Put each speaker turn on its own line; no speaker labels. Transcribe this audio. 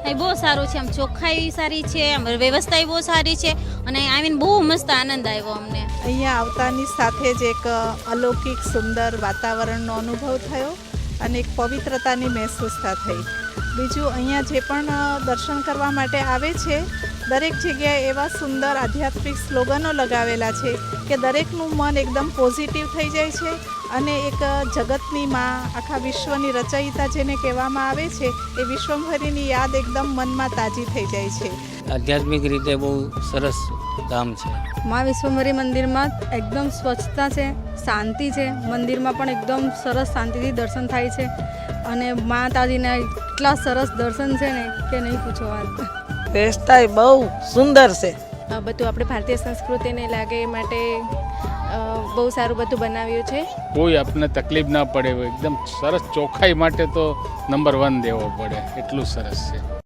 એ બહુ સારું છે, આમ ચોખ્ખાઈ સારી છે, આમ વ્યવસ્થા બહુ સારી છે અને આવીને બહુ મસ્ત આનંદ આવ્યો અમને.
અહીંયા આવતાની સાથે જ એક અલૌકિક સુંદર વાતાવરણનો અનુભવ થયો અને એક પવિત્રતાની મહેસૂસતા થઈ. બીજું અહીંયા જે પણ દર્શન કરવા માટે આવે છે દરેક જગ્યાએ એવા સુંદર આધ્યાત્મિક સ્લોગનો લગાવેલા છે કે દરેકનું મન એકદમ પોઝિટિવ થઈ જાય છે અને એક જગતની માં, આખા વિશ્વની રચયિતા જેને કહેવામાં આવે છે એ વિશ્વભરીની યાદ એકદમ મનમાં તાજી થઈ જાય છે.
આધ્યાત્મિક રીતે બહુ સરસ ધામ છે.
મા વિશ્વભરી મંદિરમાં એકદમ સ્વચ્છતા છે, શાંતિ છે. મંદિરમાં પણ એકદમ સરસ શાંતિથી દર્શન થાય છે અને માતાજીના એટલા સરસ દર્શન છે ને કે નહીં પૂછો વાત.
વ્યવસ્થા બહુ સુંદર છે.
બધું આપણે ભારતીય સંસ્કૃતિને લાગે એ માટે બહુ સારું બધું બનાવ્યું છે.
કોઈ આપણને તકલીફ ના પડે, એકદમ સરસ. ચોખ્ખાઈ માટે તો નંબર 1 દેવો પડે, એટલું સરસ છે.